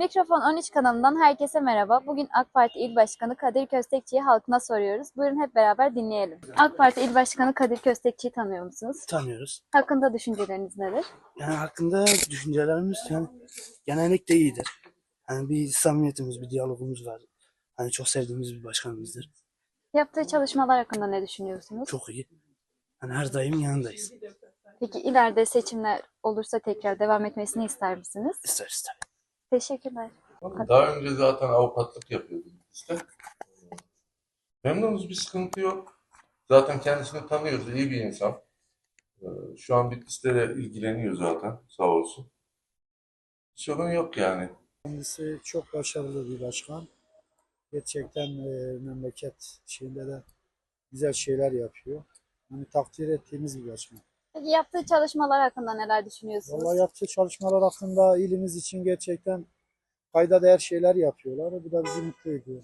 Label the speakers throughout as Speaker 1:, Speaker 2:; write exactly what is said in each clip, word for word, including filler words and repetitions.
Speaker 1: Mikrofon on üç kanalından herkese merhaba. Bugün AK Parti İl Başkanı Kadir Köstekçi'yi halkına soruyoruz. Buyurun hep beraber dinleyelim. AK Parti İl Başkanı Kadir Köstekçi'yi tanıyor musunuz?
Speaker 2: Tanıyoruz.
Speaker 1: Hakkında düşünceleriniz nedir?
Speaker 2: Yani hakkında düşüncelerimiz yani genellikle iyidir. Yani bir samimiyetimiz, bir diyalogumuz var. Hani çok sevdiğimiz bir başkanımızdır.
Speaker 1: Yaptığı çalışmalar hakkında ne düşünüyorsunuz?
Speaker 2: Çok iyi. Hani her daim yanındayız.
Speaker 1: Peki ileride seçimler olursa tekrar devam etmesini ister misiniz?
Speaker 2: İster ister.
Speaker 1: Teşekkürler.
Speaker 3: Daha önce zaten avukatlık yapıyorduk işte. Memnunuz, bir sıkıntı yok. Zaten kendisini tanıyoruz, iyi bir insan. Ee, Şu an Bitlis'te de ilgileniyor zaten, sağ olsun. Sorun yok yani.
Speaker 4: Kendisi çok başarılı bir başkan. Gerçekten e, memleket şeyinde de güzel şeyler yapıyor. Yani takdir ettiğimiz bir başkan.
Speaker 1: Peki yaptığı çalışmalar hakkında neler düşünüyorsunuz?
Speaker 4: Vallahi yaptığı çalışmalar hakkında ilimiz için gerçekten kayda değer şeyler yapıyorlar. Bu da bizi mutlu ediyor.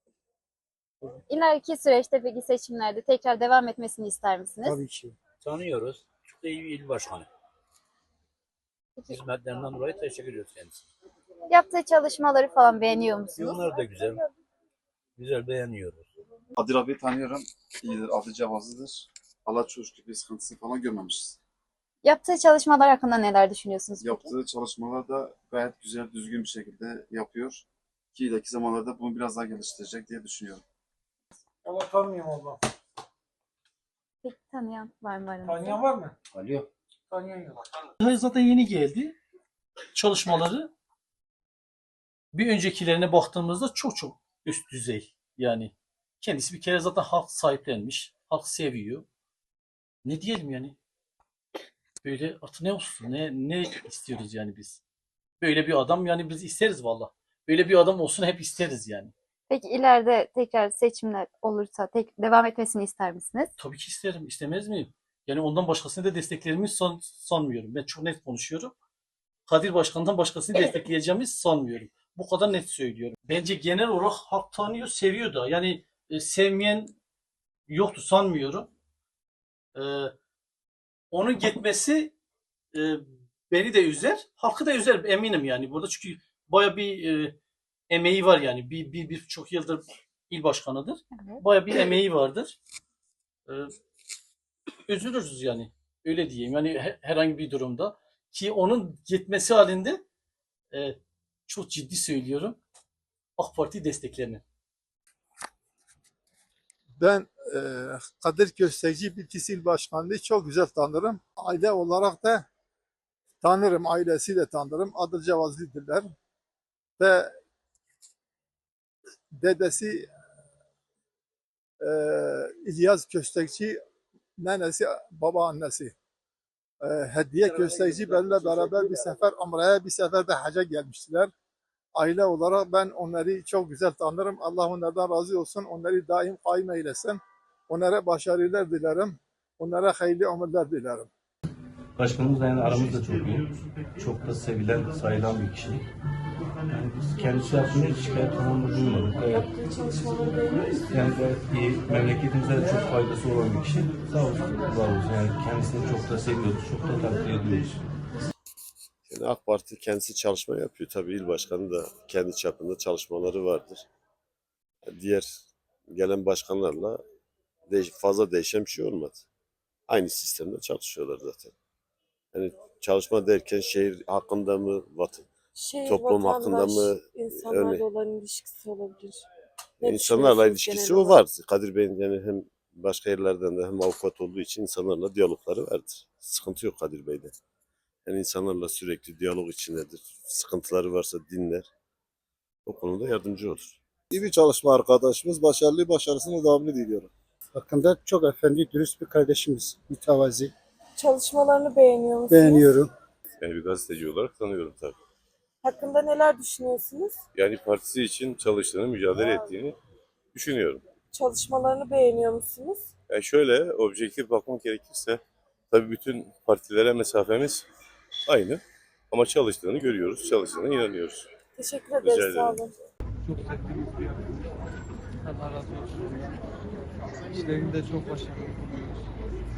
Speaker 1: İleriki süreçte peki seçimlerde tekrar devam etmesini ister misiniz?
Speaker 4: Tabii ki.
Speaker 5: Tanıyoruz. Çok da iyi bir il başkanı.
Speaker 1: Peki,
Speaker 5: Hizmetlerinden dolayı teşekkür ediyoruz kendisine.
Speaker 1: yaptığı çalışmaları falan beğeniyor musunuz?
Speaker 5: Onlar da güzel. Güzel, beğeniyoruz.
Speaker 6: Kadir abi tanıyorum. İyidir, adı cevazlıdır. Allah çok şükür bir sıkıntısı falan görmemişiz.
Speaker 1: Yaptığı çalışmalar hakkında neler düşünüyorsunuz peki?
Speaker 6: Yaptığı çalışmalar da gayet güzel, düzgün bir şekilde yapıyor. Ki ileriki zamanlarda bunu biraz daha geliştirecek diye düşünüyorum.
Speaker 7: Ama tanımıyorum abla.
Speaker 1: Peki tanıyan var mı aranızda?
Speaker 7: Tanıyan var mı?
Speaker 5: Alo.
Speaker 7: Tanıyan yok.
Speaker 8: Zaten yeni geldi. Çalışmaları bir öncekilerine baktığımızda çok çok üst düzey. Yani kendisi bir kere zaten halk sahiplenmiş. Halk seviyor. Ne diyelim yani? Böyle atı ne olsun? Ne, ne istiyoruz yani biz? Böyle bir adam yani biz isteriz valla. Böyle bir adam olsun hep isteriz yani.
Speaker 1: Peki ileride tekrar seçimler olursa tek devam etmesini ister misiniz?
Speaker 8: Tabii ki isterim. İstemez miyim? Yani ondan başkasını da desteklerimi san, sanmıyorum. Ben çok net konuşuyorum. Kadir Başkan'dan başkasını destekleyeceğimi sanmıyorum. Bu kadar net söylüyorum. Bence genel olarak halk tanıyor, seviyor da. Yani e, sevmeyen yoktu sanmıyorum. E, Onun gitmesi e, beni de üzer, halkı da üzer eminim yani. Burada çünkü baya bir e, emeği var yani. Bir, bir, bir çok yıldır il başkanıdır.
Speaker 1: Evet.
Speaker 8: Baya bir emeği vardır. E, Üzülürüz yani. Öyle diyeyim. Yani he- herhangi bir durumda. Ki onun gitmesi halinde e, çok ciddi söylüyorum. AK Parti desteklerini.
Speaker 4: Ben e, Kadir Köstekçi Bitlis İl Başkanı'nı çok güzel tanırım. Aile olarak da tanırım, ailesi de tanırım. Adı Cevazlı'dırlar. Ve dedesi e, İlyas Köstekçi, nenesi, babaannesi. E, Hediye Köstekçi benimle beraber bir sefer Umre'ye, bir sefer de hacca gelmiştiler. Aile olarak ben onları çok güzel tanırım. Allah onlardan razı olsun. Onları daim kaim eylesin. Onlara başarılar dilerim. Onlara hayırlı ömürler dilerim.
Speaker 9: Başkanımızla yani aramız da çok iyi. Çok da sevilen, sayılan bir kişi. Yani biz kendisi hakkında hiç şikayet falan da duymadık. Evet.
Speaker 10: Yaptığı çalışmaları beğeniyor musunuz?
Speaker 9: Yani gayet iyi. Memleketimize de çok faydası olan bir kişi. Sağ olsun, var olsun. Yani kendisini çok da seviyoruz, çok da takdir ediyoruz.
Speaker 11: Yani AK Parti kendisi çalışma yapıyor. Tabii il başkanı da kendi çapında çalışmaları vardır. Diğer gelen başkanlarla değiş fazla değişen bir şey olmadı. Aynı sistemde çalışıyorlar zaten. Yani çalışma derken şehir hakkında mı, vatan,
Speaker 10: Şehir,
Speaker 11: toplum hakkında
Speaker 10: vatandaş,
Speaker 11: mı,
Speaker 10: insanlarla
Speaker 11: örneğin
Speaker 10: olan ilişkisi olabilir. Ne
Speaker 11: insanlarla
Speaker 10: düşünüyorsunuz
Speaker 11: ilişkisi
Speaker 10: genel
Speaker 11: o
Speaker 10: olarak?
Speaker 11: var. Kadir Bey'in yani hem başka yerlerden de hem avukat olduğu için insanlarla diyalogları vardır. Sıkıntı yok Kadir Bey'de. Yani insanlarla sürekli diyalog içindedir. Sıkıntıları varsa dinler. O konuda yardımcı olur.
Speaker 4: İyi bir çalışma arkadaşımız. Başarılı, başarısını devamlı diliyorum. Hakkında çok efendi, dürüst bir kardeşimiz. Mütevazi.
Speaker 10: Çalışmalarını beğeniyor musunuz?
Speaker 4: Beğeniyorum.
Speaker 11: Yani bir gazeteci olarak tanıyorum tabii.
Speaker 10: Hakkında neler düşünüyorsunuz?
Speaker 11: Yani partisi için çalıştığını, mücadele ettiğini düşünüyorum.
Speaker 10: Çalışmalarını beğeniyor musunuz?
Speaker 11: Yani şöyle objektif bakmak gerekirse tabii bütün partilere mesafemiz aynı. Ama çalıştığını görüyoruz, çalıştığına inanıyoruz.
Speaker 10: Teşekkür
Speaker 11: Rica
Speaker 10: ederiz. Sağ
Speaker 11: ederim.
Speaker 10: olun.
Speaker 7: Çok sevdiğimiz bir adam. Allah razı olsun. İşlerinde çok başarılı buluyoruz.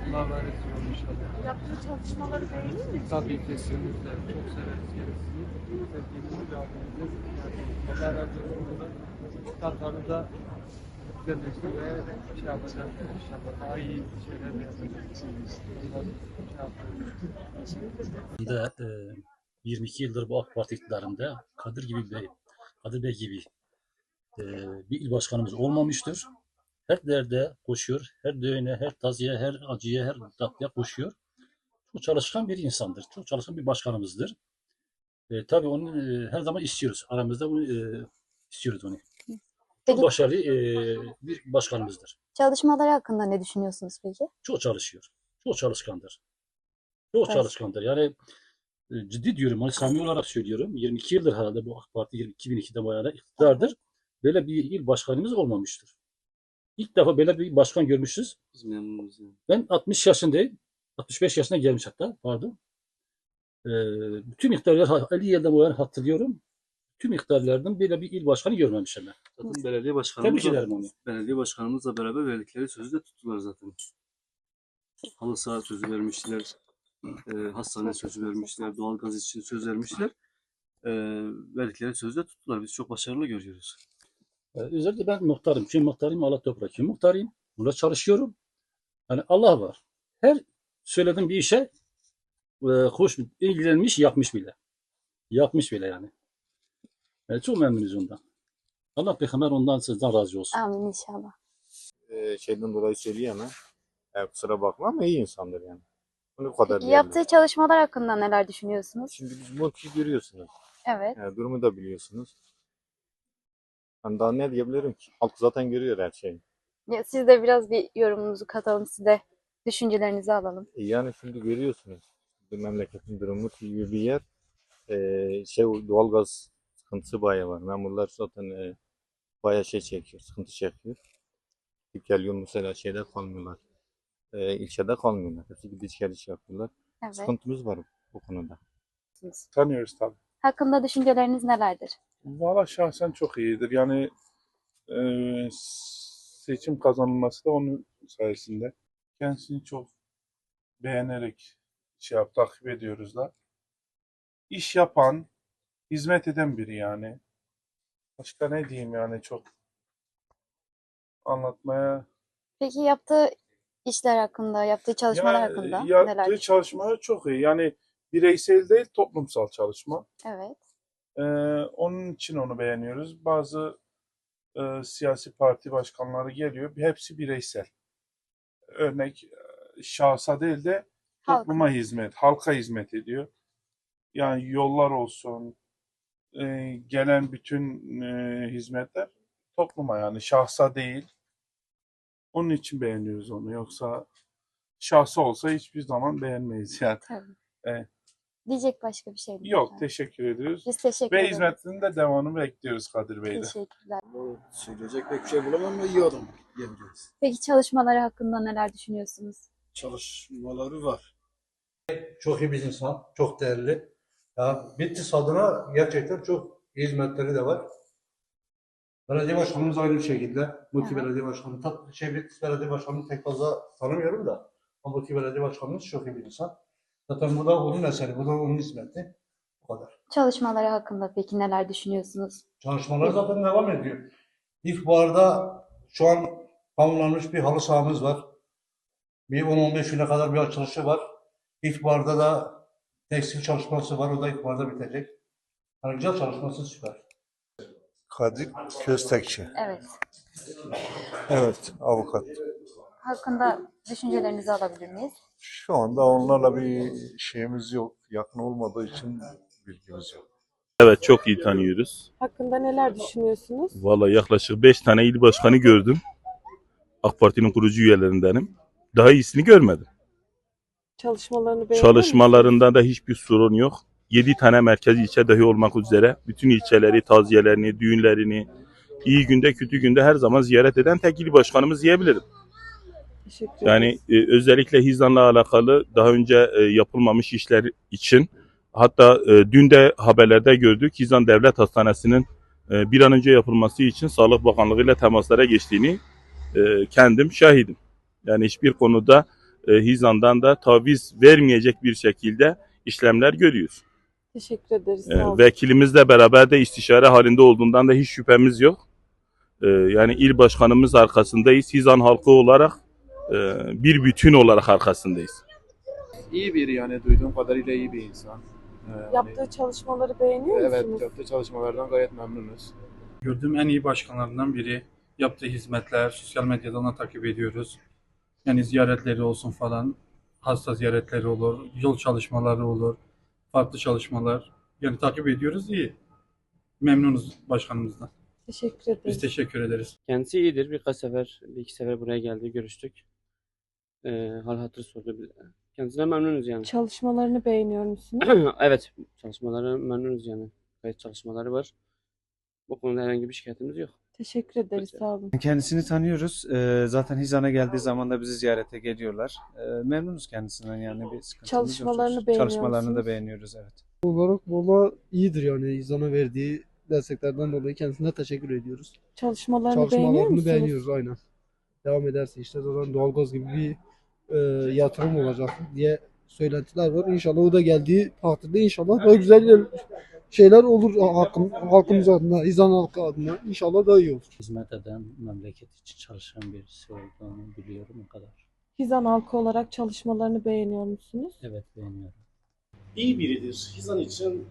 Speaker 7: Allah versin inşallah.
Speaker 10: Yaptığı çalışmaları beğeniyor musunuz?
Speaker 7: Tabii kesinlikle. Çok severiz kendisini. Sevdiğimiz bir abimizdir. Yani Allah razı olsun. Tatları da güzelleştirmeye şey yapacak inşallah. Daha iyi şeyler yapacak. Ondan şey yapacak.
Speaker 8: Da, e, yirmi iki yıldır bu AK Parti iktidarında Kadir gibi Bey, Kadir Bey gibi e, bir il başkanımız olmamıştır. Her derde koşuyor, her düğüne, her taziye, her acıya, her tatlıya koşuyor. Çok çalışkan bir insandır, çok çalışkan bir başkanımızdır. E, tabii onu e, her zaman istiyoruz, aramızda bunu e, istiyoruz onu. Çok
Speaker 1: Peki
Speaker 8: başarılı e, bir başkanımızdır.
Speaker 1: çalışmaları hakkında ne düşünüyorsunuz peki?
Speaker 8: Çok çalışıyor, çok çalışkandır. Çok
Speaker 1: Evet.
Speaker 8: çalışkandır. Yani e, ciddi diyorum, hani samimi olarak söylüyorum. yirmi iki yıldır herhalde bu AK Parti iki bin ikide bu yana iktidardır. Böyle bir il başkanımız olmamıştır. İlk defa böyle bir başkan görmüşüz.
Speaker 9: Biz memnunuz yani.
Speaker 8: Ben altmış yaşındayım. altmış beş yaşına gelmiş hatta, pardon. Ee, bütün iktidarlar elli yıldan bu yana hatırlıyorum. Tüm iktidarlardan böyle bir il başkanı görmemişim ben.
Speaker 9: Zaten belediye başkanımızla,
Speaker 8: Tebrik ederim onu.
Speaker 9: belediye başkanımızla beraber verdikleri sözü de tuttular zaten. Halı saha sözü vermişler, e, hastane sözü vermişler, doğalgaz için söz vermişler. E, verdikleri sözü de tuttular. Biz çok başarılı görüyoruz.
Speaker 8: Ee, özellikle ben muhtarım. Kim muhtarıyım? Allah toprak. Kim muhtarıyım? Burada çalışıyorum. Hani Allah var. Her söylediğim bir işe e, hoş ilgilenmiş, yapmış bile. Yapmış bile yani. Yani çok memnunuz ondan. Allah peygamber ondan sizden razı olsun.
Speaker 1: Amin inşallah.
Speaker 12: Ee, şeyden dolayı söyleyemem. Yani kusura bakma ama iyi insandır yani. Bunu bu kadar
Speaker 1: Peki
Speaker 12: diyebilirim.
Speaker 1: yaptığı çalışmalar hakkında neler düşünüyorsunuz?
Speaker 12: Şimdi biz bu ülkeyi görüyorsunuz.
Speaker 1: Evet.
Speaker 12: Yani durumu da biliyorsunuz. Hani daha ne diyebilirim ki? Halk zaten görüyor her şeyi.
Speaker 1: Ya, siz de biraz bir yorumunuzu katalım, siz de düşüncelerinizi alalım.
Speaker 12: E yani şimdi görüyorsunuz. Bu memleketin durumu gibi bir yer. Ee, şey doğalgaz sıkıntısı bayağı var. Memurlar zaten e, bayağı şey çekiyor, sıkıntı çekiyor. Gidip geliyor mesela şeyde kalmıyorlar. E, ilçede kalmıyorlar. Hepsi gidiş geliş yapıyorlar.
Speaker 1: Evet.
Speaker 12: Sıkıntımız var bu konuda.
Speaker 7: Tanıyoruz tabii.
Speaker 1: Hakkında düşünceleriniz nelerdir?
Speaker 7: Valla şahsen çok iyidir. Yani e, seçim kazanılması da onun sayesinde. Kendisini çok beğenerek şey yap, takip ediyoruz da. İş yapan, hizmet eden biri yani. Başka ne diyeyim yani çok anlatmaya.
Speaker 1: Peki yaptığı işler hakkında, yaptığı çalışmalar
Speaker 7: Ya,
Speaker 1: hakkında neler
Speaker 7: yaptığı
Speaker 1: düşünüyorsunuz?
Speaker 7: çalışmalar çok iyi. Yani bireysel değil, toplumsal çalışma.
Speaker 1: Evet.
Speaker 7: Ee, onun için onu beğeniyoruz. Bazı e, siyasi parti başkanları geliyor. Hepsi bireysel. Örnek e, şahsa değil de
Speaker 1: Halka.
Speaker 7: topluma hizmet, halka hizmet ediyor. Yani yollar olsun, e, gelen bütün e, hizmetler topluma yani şahsa değil. Onun için beğeniyoruz onu. Yoksa şahsa olsa hiçbir zaman beğenmeyiz yani.
Speaker 1: Tabii.
Speaker 7: Evet.
Speaker 1: Diyecek başka bir şey mi?
Speaker 7: Yok, teşekkür ediyoruz.
Speaker 1: Biz teşekkür
Speaker 7: Ve
Speaker 1: ederiz.
Speaker 7: hizmetinin de devamını bekliyoruz Kadir Bey'de.
Speaker 1: Teşekkürler.
Speaker 2: Söyleyecek pek bir şey bulamam ama iyi adam diyebiliriz.
Speaker 1: Peki çalışmaları hakkında neler düşünüyorsunuz?
Speaker 2: Çalışmaları var.
Speaker 13: Çok iyi bir insan, çok değerli. Ya Bitlis adına gerçekten çok iyi hizmetleri de var. Belediye başkanımız aynı bir şekilde. Muki
Speaker 1: Evet.
Speaker 13: Belediye Başkanı, tat, şey Bitlis Belediye Başkanı'nı pek fazla tanımıyorum da. Ama Muki Belediye Başkanımız çok iyi bir insan. Zaten bu da onun eseri, bu da onun hizmeti. Bu kadar.
Speaker 1: Çalışmaları hakkında peki neler düşünüyorsunuz?
Speaker 13: Çalışmalar zaten devam ediyor. İlkbaharda şu an tamamlanmış bir halı sahamız var. Bir on on beş güne kadar bir açılışı var. İlkbaharda da tekstil çalışması var. O da ilkbaharda bitecek. Yani güzel çalışması süper.
Speaker 14: Kadir Köstekçi.
Speaker 1: Evet.
Speaker 14: Evet, avukat.
Speaker 1: Hakkında düşüncelerinizi alabilir miyiz?
Speaker 14: Şu anda onlarla bir şeyimiz yok. Yakın olmadığı için bilgimiz yok.
Speaker 15: Evet, çok iyi tanıyoruz.
Speaker 10: Hakkında neler düşünüyorsunuz?
Speaker 15: Vallahi yaklaşık beş tane il başkanı gördüm. AK Parti'nin kurucu üyelerindenim. Daha iyisini görmedim.
Speaker 10: Çalışmalarını beğeniyor musunuz?
Speaker 15: Çalışmalarında da hiçbir sorun yok. yedi tane merkez ilçe dahi olmak üzere bütün ilçeleri, taziyelerini, düğünlerini iyi günde kötü günde her zaman ziyaret eden tek il başkanımız diyebilirim.
Speaker 10: Teşekkür
Speaker 15: Yani
Speaker 10: ederiz.
Speaker 15: e, özellikle Hizan'la alakalı daha önce e, yapılmamış işler için hatta e, dün de haberlerde gördük Hizan Devlet Hastanesi'nin e, bir an önce yapılması için Sağlık Bakanlığı ile temaslara geçtiğini e, kendim şahidim. Yani hiçbir konuda e, Hizan'dan da taviz vermeyecek bir şekilde işlemler görüyoruz.
Speaker 10: Teşekkür ederiz.
Speaker 15: E,
Speaker 10: Sağ olun.
Speaker 15: Vekilimizle beraber de istişare halinde olduğundan da hiç şüphemiz yok. E, yani il başkanımız arkasındayız. Hizan halkı olarak e, bir bütün olarak arkasındayız.
Speaker 16: İyi biri yani duyduğum kadarıyla iyi bir insan. Ee,
Speaker 10: Yaptığı çalışmaları beğeniyor
Speaker 16: evet,
Speaker 10: musunuz?
Speaker 16: yaptığı çalışmalardan gayet memnunuz.
Speaker 17: Gördüğüm en iyi başkanlarından biri. Yaptığı hizmetler, sosyal medyadan da takip ediyoruz. Yani ziyaretleri olsun falan, hasta ziyaretleri olur, yol çalışmaları olur, farklı çalışmalar. Yani takip ediyoruz, iyi. Memnunuz başkanımızdan.
Speaker 10: Teşekkür ederiz.
Speaker 17: Biz teşekkür ederiz.
Speaker 18: Kendisi iyidir. Birkaç sefer, bir iki sefer buraya geldi, görüştük. Ee, hal hatır sordu. Kendisine memnunuz yani.
Speaker 10: Çalışmalarını beğeniyor musunuz?
Speaker 18: Evet, çalışmaları memnunuz yani. Gayet çalışmaları var. Bu konuda herhangi bir şikayetimiz yok.
Speaker 10: Teşekkür ederiz. Sağ olun.
Speaker 19: Kendisini tanıyoruz. Ee, zaten Hizan'a geldiği zaman da bizi ziyarete geliyorlar. Ee, memnunuz kendisinden yani bir sıkıntımız yok.
Speaker 10: Çalışmalarını beğeniyor
Speaker 19: Çalışmalarını
Speaker 10: musunuz?
Speaker 19: da beğeniyoruz, evet.
Speaker 2: Olarak valla iyidir yani İzan'a verdiği desteklerden dolayı kendisine teşekkür ediyoruz.
Speaker 10: Çalışmalarını beğeniyor musunuz?
Speaker 2: beğeniyoruz aynen. Devam ederse işte zaten doğalgaz gibi bir e, yatırım olacak diye söylentiler var. İnşallah o da geldiği takdirde inşallah daha güzel şeyler olur halkım, halkımız adına, İzan halkı adına. İnşallah daha iyi olur.
Speaker 5: Hizmet eden, memleket için çalışan birisi olduğunu biliyorum o kadar.
Speaker 10: Hizan halkı olarak çalışmalarını beğeniyor musunuz?
Speaker 5: Evet, beğeniyorum.
Speaker 8: İyi biridir. Hizan için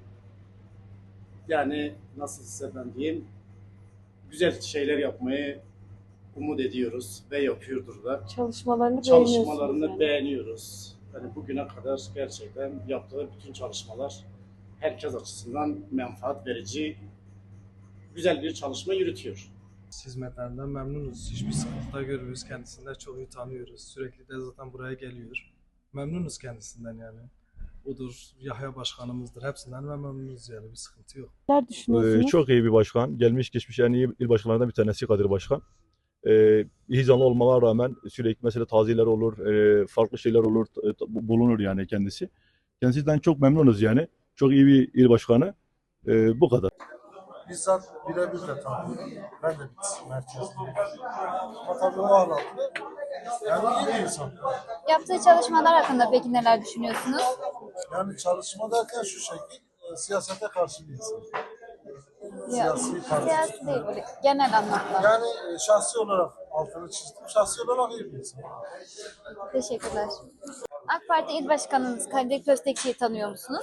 Speaker 8: yani nasıl size ben diyeyim, güzel şeyler yapmayı umut ediyoruz ve yapıyordur da.
Speaker 10: Çalışmalarını beğeniyorsunuz
Speaker 8: Çalışmalarını
Speaker 10: yani.
Speaker 8: beğeniyoruz. Yani bugüne kadar gerçekten yaptığı bütün çalışmalar herkes açısından menfaat verici, güzel bir çalışma yürütüyor.
Speaker 20: Hizmetlerinden memnunuz. Hiçbir sıkıntı da görmüyoruz. Kendisini de çok iyi tanıyoruz. Sürekli de zaten buraya geliyor. Memnunuz kendisinden yani. Odur, Yahya başkanımızdır. Hepsinden memnunuz yani. Bir sıkıntı yok.
Speaker 10: Neler düşünüyorsunuz?
Speaker 21: Ee, çok iyi bir başkan. Gelmiş geçmiş en iyi il başkanlarından bir tanesi Kadir Başkan. Ee, Hizanlı olmama rağmen sürekli mesela taziyeler olur, e, farklı şeyler olur, e, bulunur yani kendisi. Kendisinden çok memnunuz yani. Çok iyi bir il başkanı. Ee, bu kadar.
Speaker 14: Bizzat birebir de tanıyorum. Ben de bir merkezliyim. Ama tabii o anlamda yani iyi bir insan.
Speaker 1: Yaptığı çalışmalar hakkında peki neler düşünüyorsunuz?
Speaker 14: Yani çalışma derken şu şekil, e, siyasete karşı bir insan.
Speaker 1: Ya,
Speaker 14: Siyasi parti.
Speaker 1: siyasi değil böyle genel anlamda.
Speaker 14: Yani e, şahsi olarak altını çizdim. Şahsi olarak iyi bir insan.
Speaker 1: Teşekkürler. AK Parti İl Başkanınız Kadir Köstekçi'yi tanıyor musunuz?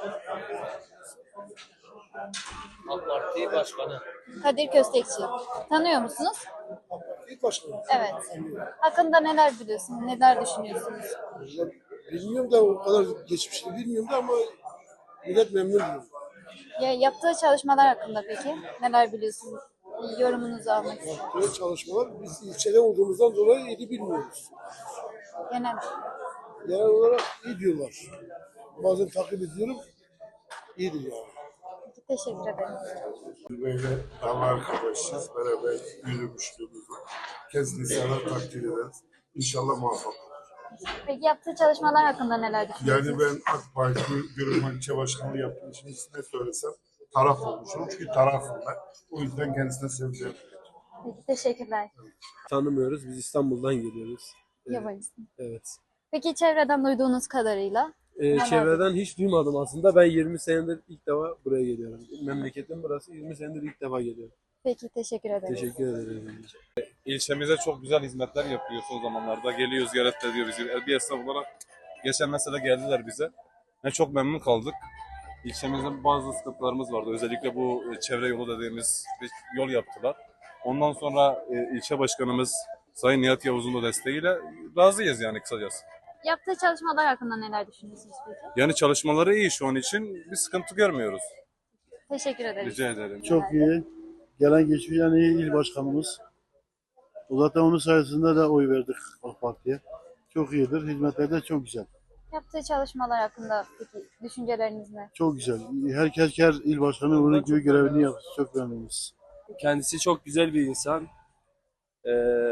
Speaker 5: AK Parti Başkanı.
Speaker 1: Kadir Köstekçi. Tanıyor musunuz?
Speaker 14: İlk başkanı.
Speaker 1: Evet. Hakkında neler biliyorsunuz, neler düşünüyorsunuz?
Speaker 14: Bilmiyorum da o kadar geçmişini bilmiyorum da ama millet memnun diyor.
Speaker 1: Ya, yaptığı çalışmalar hakkında peki neler biliyorsunuz? Yorumunuzu almak istiyorum.
Speaker 14: Yaptığı çalışmalar biz ilçede olduğumuzdan dolayı iyi bilmiyoruz.
Speaker 1: Genel.
Speaker 14: Genel olarak iyi diyorlar. Bazen takip ediyorum. İyidir yani.
Speaker 1: Teşekkür ederim.
Speaker 14: Böyle dava arkadaşız. Beraber yürümüşlüğümüz var. Kendisini sever takdir ederiz. İnşallah muvaffak olur.
Speaker 1: Peki yaptığı çalışmalar hakkında neler düşünüyorsunuz?
Speaker 14: Yani ben AK Parti Görünme İlçe Başkanlığı yaptığım için ne söylesem taraf olmuşum. Çünkü tarafım ben. O yüzden kendisine sevgilerim.
Speaker 1: Peki, teşekkürler.
Speaker 22: Tanımıyoruz. Biz İstanbul'dan geliyoruz.
Speaker 1: Yabancısın.
Speaker 22: Evet.
Speaker 1: Peki çevreden duyduğunuz kadarıyla?
Speaker 22: Ee,
Speaker 1: neler
Speaker 22: çevreden hiç duymadım aslında. Ben yirmi senedir ilk defa buraya geliyorum. Memleketim burası. yirmi senedir ilk defa geliyorum.
Speaker 1: Peki, teşekkür ederiz.
Speaker 22: Teşekkür ederim.
Speaker 23: İlçemize çok güzel hizmetler yapıyor son zamanlarda. Geliyor, ziyaret ediyor bizi. Bir esnaf olarak geçen mesela geldiler bize. Yani çok memnun kaldık. İlçemizde bazı sıkıntılarımız vardı. Özellikle bu çevre yolu dediğimiz bir yol yaptılar. Ondan sonra e, ilçe başkanımız Sayın Nihat Yavuz'un da desteğiyle razıyız yani kısacası.
Speaker 1: Yaptığı çalışmalar hakkında neler düşünüyorsunuz peki?
Speaker 23: Yani çalışmaları iyi şu an için. Bir sıkıntı görmüyoruz.
Speaker 1: Teşekkür ederiz.
Speaker 23: Rica ederim.
Speaker 2: Çok iyi. Gelen geçmiş en iyi il başkanımız. O zaten onun sayesinde de oy verdik AK Parti'ye. Çok iyidir. Hizmetleri de çok güzel.
Speaker 1: Yaptığı çalışmalar hakkında peki düşünceleriniz ne?
Speaker 2: Çok güzel. Herkes her il başkanı onun gibi görevini yaptı. Çok memnunuz.
Speaker 22: Kendisi çok güzel bir insan. Ee,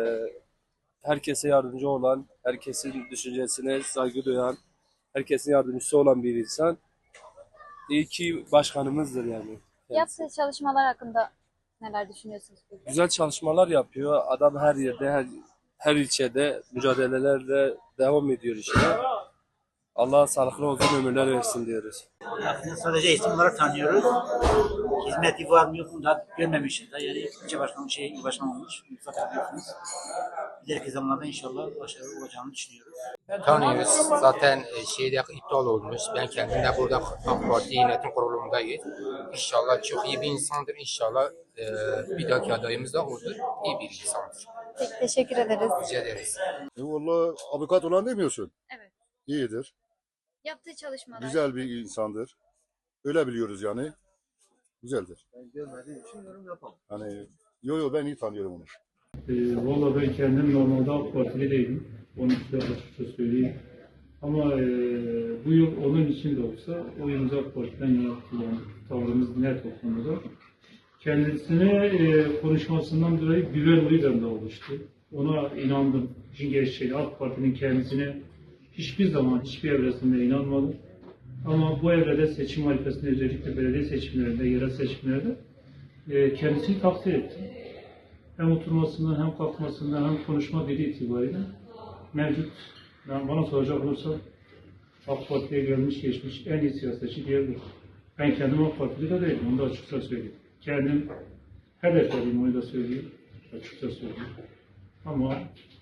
Speaker 22: herkese yardımcı olan, herkesin düşüncesine saygı duyan, herkesin yardımcısı olan bir insan. İyi ki başkanımızdır yani.
Speaker 1: Yaptığı çalışmalar hakkında neler düşünüyorsunuz peki?
Speaker 22: Güzel çalışmalar yapıyor. Adam her yerde, her her ilçede mücadelelerle devam ediyor işte. Allah sağlıklı uzun ömürler versin diyoruz.
Speaker 3: Aslında sadece isim olarak tanıyoruz. Hizmeti var mı yok mu da görmemişiz. Da. Yani ilçe başkanı şey, il başkanı olmuş. Mustafa biliyorsunuz. İleriki zamanlarda inşallah başarılı olacağını düşünüyoruz.
Speaker 4: Tanıyoruz. Zaten şeyde iptal olmuş. Ben kendim de burada AK Parti yönetim kurulundayım. İnşallah çok iyi bir insandır. İnşallah e, bir dahaki adayımız da odur. İyi bir insandır.
Speaker 1: Peki, teşekkür ederiz.
Speaker 4: Rica ederiz.
Speaker 6: E vallahi avukat olan demiyorsun.
Speaker 1: Evet.
Speaker 6: İyidir.
Speaker 1: Yaptığı çalışmalar.
Speaker 6: Güzel bir insandır. Öyle biliyoruz yani. Güzeldir.
Speaker 2: Ben görmediğim için yorum yapamam.
Speaker 6: Hani yo yo ben iyi tanıyorum onu.
Speaker 17: E, Valla ben kendim normalde AK Partili değilim. Onu size açıkça söyleyeyim. Ama e, bu yıl onun için de olsa oyumuzu AK Parti'den yana kullandık. Tavrımız net o konuda. Kendisine e, konuşmasından dolayı güven oyu bende oluştu. Ona inandım. İşin gerçeği AK Parti'nin kendisine hiçbir zaman hiçbir evresinde inanmadım. Ama bu evrede seçim harifesinde özellikle belediye seçimlerinde, yerel seçimlerde e, kendisini takdir ettim. Hem oturmasından hem kalkmasından hem konuşma dili itibariyle mevcut. Yani bana soracak olursa AK Parti'ye gelmiş geçmiş en iyi siyasetçi diyebilirim. Ben kendim AK Partili de değilim, onu da açıkça söyleyeyim. Kendim hedeflediğim onu da söyleyeyim, açıkça söyleyeyim. Ama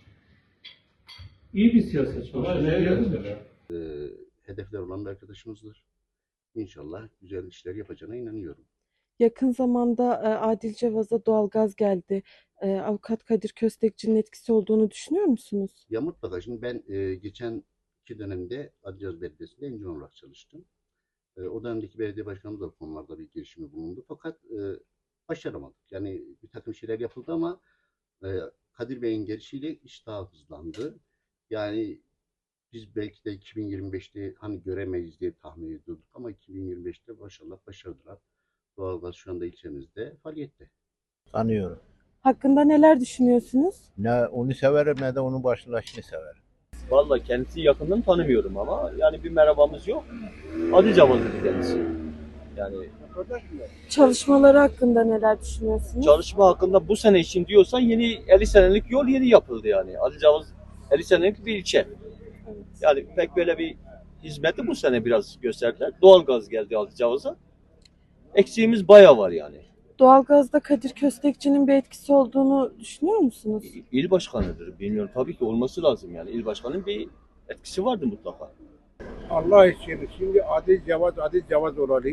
Speaker 17: iyi bir siyasetçi olsa ne diyebilirim?
Speaker 24: Hedefler olan bir arkadaşımızdır. İnşallah güzel işler yapacağına inanıyorum.
Speaker 10: Yakın zamanda e, Adil Cevaz'a doğalgaz geldi. E, Avukat Kadir Köstekçi'nin etkisi olduğunu düşünüyor musunuz?
Speaker 24: Ya mutlaka şimdi ben e, geçen iki dönemde Adıyaman Belediyesi'nde encüm olarak çalıştım. E, o dönemdeki belediye başkanımız da bu konularda bir girişimi bulundu. Fakat e, başaramadık. Yani bir takım şeyler yapıldı ama e, Kadir Bey'in gelişiyle iş daha hızlandı. Yani biz belki de iki bin yirmi beşte hani göremeyiz diye tahmin ediyorduk ama iki bin yirmi beşte maşallah başardılar. Doğalgaz şu anda ilçemizde faaliyette.
Speaker 25: Tanıyorum.
Speaker 10: Hakkında neler düşünüyorsunuz?
Speaker 25: Ne onu severim ne de onun başlaşını severim.
Speaker 26: Vallahi kendisi yakından tanımıyorum ama yani bir merhabamız yok. Adil Cevaz'dır kendisi. Yani
Speaker 10: Çalışmaları hakkında neler düşünüyorsunuz?
Speaker 26: çalışma hakkında bu sene için diyorsan yeni elli senelik yol yeni yapıldı yani. Adil Cevaz elli senelik bir ilçe. Yani pek böyle bir hizmeti bu sene biraz gösterdiler. Doğalgaz geldi Adil Cevaz'a. Eksiğimiz bayağı var yani.
Speaker 10: Doğalgazda Kadir Köstekçi'nin bir etkisi olduğunu düşünüyor musunuz?
Speaker 26: İl başkanıdır. Bilmiyorum tabii ki olması lazım yani. İl başkanının bir etkisi vardı mutlaka.
Speaker 27: Allah için şimdi Adil Cevaz, Adil Cevaz olalı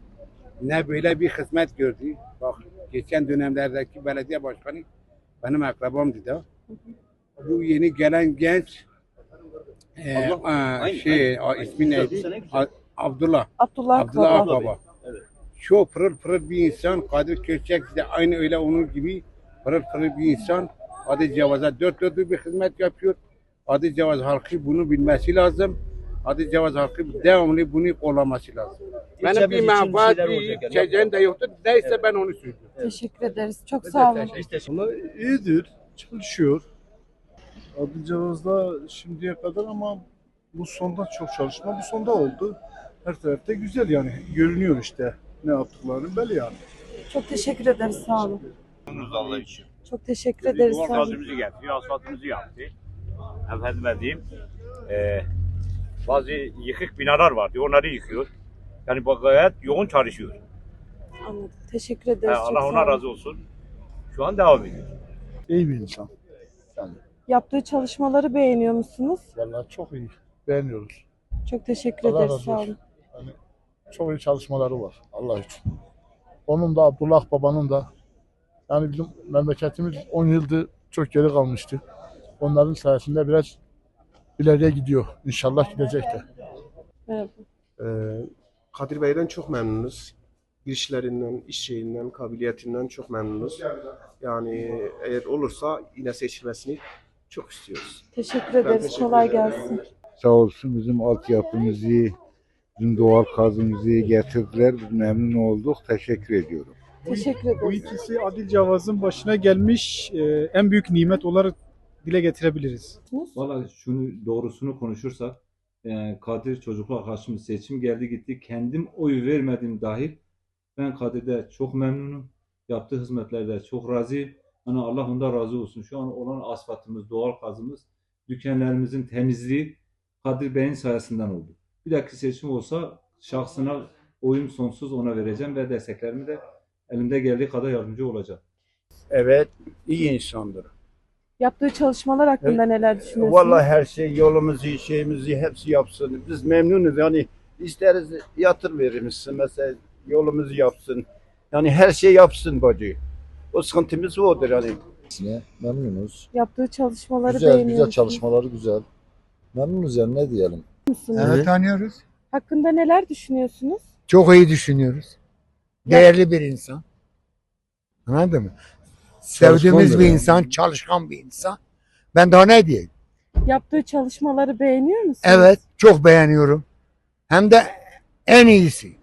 Speaker 27: ne böyle bir hizmet gördü. Bak geçen dönemlerdeki belediye başkanı benim akrabamdı da. Bu yeni gelen genç e,
Speaker 26: Allah,
Speaker 27: a,
Speaker 26: aynı,
Speaker 27: şey
Speaker 26: aynı,
Speaker 27: a, ismi
Speaker 26: aynı.
Speaker 27: neydi? A, Abdullah.
Speaker 10: Abdullah,
Speaker 27: Abdullah
Speaker 10: Akbaba.
Speaker 27: Akbaba. Çok pırıl pırıl bir insan. Kadir Köstek de aynı öyle onun gibi pırıl pırıl bir insan. Adil Cevaz'a dört dörtlük bir hizmet yapıyor. Adil Cevaz halkı bunu bilmesi lazım. Adil Cevaz halkı devamlı bunu kollaması lazım. Benim bir menfaat, bir çeceğim de yoktur. Neyse ben onu söylüyorum.
Speaker 10: Teşekkür ederiz. Çok sağ olun.
Speaker 28: Valla iyidir, çalışıyor. Adil Cevaz'da şimdiye kadar ama bu sonda çok çalışma, bu sonda oldu. Her tarafta güzel yani, görünüyor işte ne yaptıklarını belli yani.
Speaker 10: Çok teşekkür ederiz. Sağ olun.
Speaker 29: Allah için.
Speaker 10: Çok teşekkür ederiz.
Speaker 29: Duvar
Speaker 10: Sağ olun.
Speaker 29: gazımızı getiriyor, asfaltımızı yaptı. Efendime diyeyim, e, bazı yıkık binalar vardı, onları yıkıyor. Yani bu gayet yoğun çalışıyor.
Speaker 10: Anladım. Teşekkür ederiz.
Speaker 29: E,
Speaker 10: Çok
Speaker 29: Allah
Speaker 10: sağ
Speaker 29: ona
Speaker 10: olun.
Speaker 29: razı olsun. Şu an devam ediyor.
Speaker 28: İyi bir insan. Yani
Speaker 10: Yaptığı çalışmaları beğeniyor musunuz?
Speaker 28: vallahi çok iyi, beğeniyoruz.
Speaker 10: Çok teşekkür
Speaker 28: Allah
Speaker 10: ederiz.
Speaker 28: razı
Speaker 10: Sağ
Speaker 28: olsun.
Speaker 10: olun.
Speaker 28: Yani çok iyi çalışmaları var Allah için. Onun da Abdullah Baba'nın da yani bizim memleketimiz on yıldır çok geri kalmıştı. Onların sayesinde biraz ileriye gidiyor. İnşallah gidecek de.
Speaker 10: Merhaba.
Speaker 30: Ee, Kadir Bey'den çok memnunuz. Girişlerinden, iş şeyinden, kabiliyetinden çok memnunuz. Yani eğer olursa yine seçilmesini çok istiyoruz.
Speaker 10: Teşekkür
Speaker 30: Ben
Speaker 10: ederiz.
Speaker 30: teşekkür
Speaker 10: Kolay
Speaker 30: ederim.
Speaker 10: gelsin.
Speaker 25: Sağ olsun bizim altyapımızı, bizim doğal gazımızı getirdiler. Biz memnun olduk. Teşekkür ediyorum.
Speaker 10: Teşekkür
Speaker 31: Bu
Speaker 10: ederiz.
Speaker 31: ikisi Adil Cevaz'ın başına gelmiş e, en büyük nimet olarak dile getirebiliriz.
Speaker 32: Valla şunu doğrusunu konuşursak e, Kadir çocukluk arkadaşımız seçim geldi gitti. Kendim oy vermedim dahil. Ben Kadir'de çok memnunum. Yaptığı hizmetlerde çok razıyım. Hani Allah ondan razı olsun. Şu an olan asfaltımız, doğal gazımız, dükkanlarımızın temizliği Kadir Bey'in sayesinden oldu. Bir dahaki seçim olsa şahsına oyum sonsuz ona vereceğim ve desteklerimi de elimde geldiği kadar yardımcı olacağım.
Speaker 7: Evet, iyi insandır.
Speaker 10: Yaptığı çalışmalar hakkında neler düşünüyorsunuz?
Speaker 7: Vallahi her şey, yolumuzu, şeyimizi hepsi yapsın. Biz memnunuz yani isteriz yatır verirmişsin mesela yolumuzu yapsın. Yani her şey yapsın bacı. O sıkıntımız odur yani.
Speaker 8: Memnunuz.
Speaker 10: Yaptığı çalışmaları
Speaker 8: Güzel,
Speaker 10: beğeniyor
Speaker 8: güzel
Speaker 10: musunuz?
Speaker 8: çalışmaları güzel. Memnunuz yani ne diyelim.
Speaker 10: Musunuz?
Speaker 8: Evet.
Speaker 9: Tanıyoruz.
Speaker 10: Hakkında neler düşünüyorsunuz?
Speaker 9: Çok iyi düşünüyoruz. Değerli bir insan. Anladın mı? Sevdiğimiz
Speaker 8: Çalışkandır
Speaker 9: bir
Speaker 8: yani.
Speaker 9: insan, çalışkan bir insan. Ben daha ne diyeyim?
Speaker 10: Yaptığı çalışmaları beğeniyor musunuz?
Speaker 9: Evet, çok beğeniyorum. Hem de en iyisi.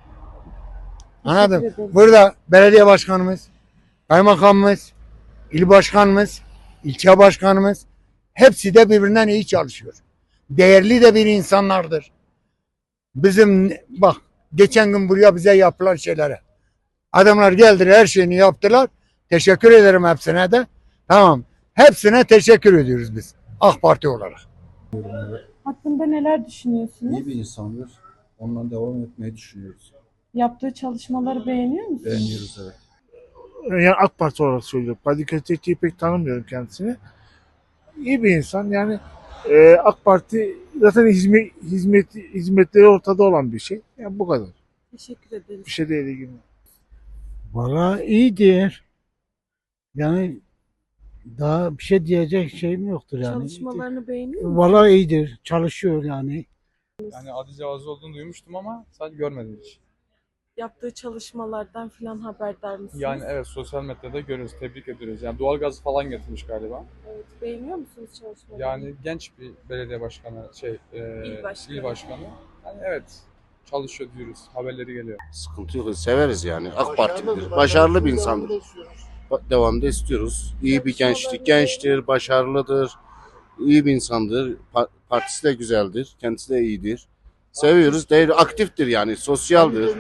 Speaker 9: Anladın mı?
Speaker 10: ederim.
Speaker 9: Burada belediye başkanımız, kaymakamımız, il başkanımız, ilçe başkanımız hepsi de birbirinden iyi çalışıyor. Değerli de bir insanlardır. Bizim bak geçen gün buraya bize yapılan şeylere. Adamlar geldiler her şeyini yaptılar. Teşekkür ederim hepsine de. Tamam. Hepsine teşekkür ediyoruz biz. AK Parti olarak.
Speaker 10: Hakkında neler düşünüyorsunuz?
Speaker 8: İyi bir insandır. Ondan devam etmeyi düşünüyoruz.
Speaker 10: Yaptığı çalışmaları beğeniyor musunuz?
Speaker 8: Beğeniyoruz evet.
Speaker 28: Yani AK Parti olarak söylüyorum. Kadir Köstekçi'yi pek tanımıyorum kendisini. İyi bir insan yani e, AK Parti zaten hizmet, hizmet, hizmetleri ortada olan bir şey. Yani bu kadar.
Speaker 10: Teşekkür ederiz.
Speaker 28: Bir şey değil ilgili.
Speaker 9: Valla iyidir. Yani daha bir şey diyecek şeyim yoktur yani.
Speaker 10: Çalışmalarını beğeniyor musunuz?
Speaker 9: Valla iyidir. Çalışıyor yani.
Speaker 11: Yani Adi Cevazı olduğunu duymuştum ama sadece görmedim hiç.
Speaker 10: Yaptığı çalışmalardan filan haberdar mısınız?
Speaker 11: Yani evet sosyal medyada görüyoruz, tebrik ediyoruz. Yani doğalgaz falan getirmiş galiba.
Speaker 10: Evet, beğeniyor musunuz çalışmalarını?
Speaker 11: Yani genç bir belediye başkanı, şey, e,
Speaker 10: İl başkanı.
Speaker 11: il başkanı. Yani evet çalışıyor diyoruz, haberleri geliyor.
Speaker 12: Sıkıntı yok, severiz yani. AK Partilidir, başarılı bir insandır. Devamda istiyoruz. İyi bir gençlik, gençtir, başarılıdır, iyi bir insandır. Pa- Partisi de güzeldir, kendisi de iyidir. Seviyoruz, değer, aktiftir yani, sosyaldir.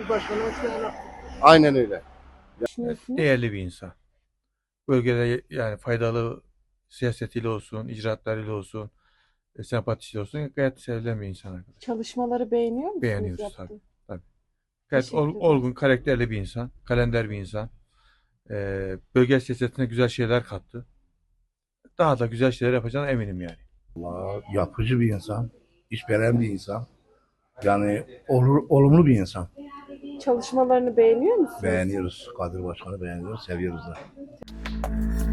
Speaker 12: Aynen öyle.
Speaker 13: Değerli bir insan. Bölgede yani faydalı siyasetiyle olsun, icraatlarıyla olsun, e, sempatisiyle olsun gayet sevilen bir insan arkadaş.
Speaker 10: Çalışmaları beğeniyor musunuz?
Speaker 13: Beğeniyoruz
Speaker 10: yaptığı?
Speaker 13: tabii. tabii. Gayet
Speaker 10: Teşekkür
Speaker 13: ol-
Speaker 10: ederim.
Speaker 13: olgun, karakterli bir insan, kalender bir insan. Ee, bölge siyasetine güzel şeyler kattı. Daha da güzel şeyler yapacağına eminim yani.
Speaker 9: Yapıcı bir insan. İşveren bir insan. Yani olur, olumlu bir insan.
Speaker 10: Çalışmalarını beğeniyor musunuz?
Speaker 9: Beğeniyoruz. Kadir Başkan'ı beğeniyoruz. Seviyoruz da.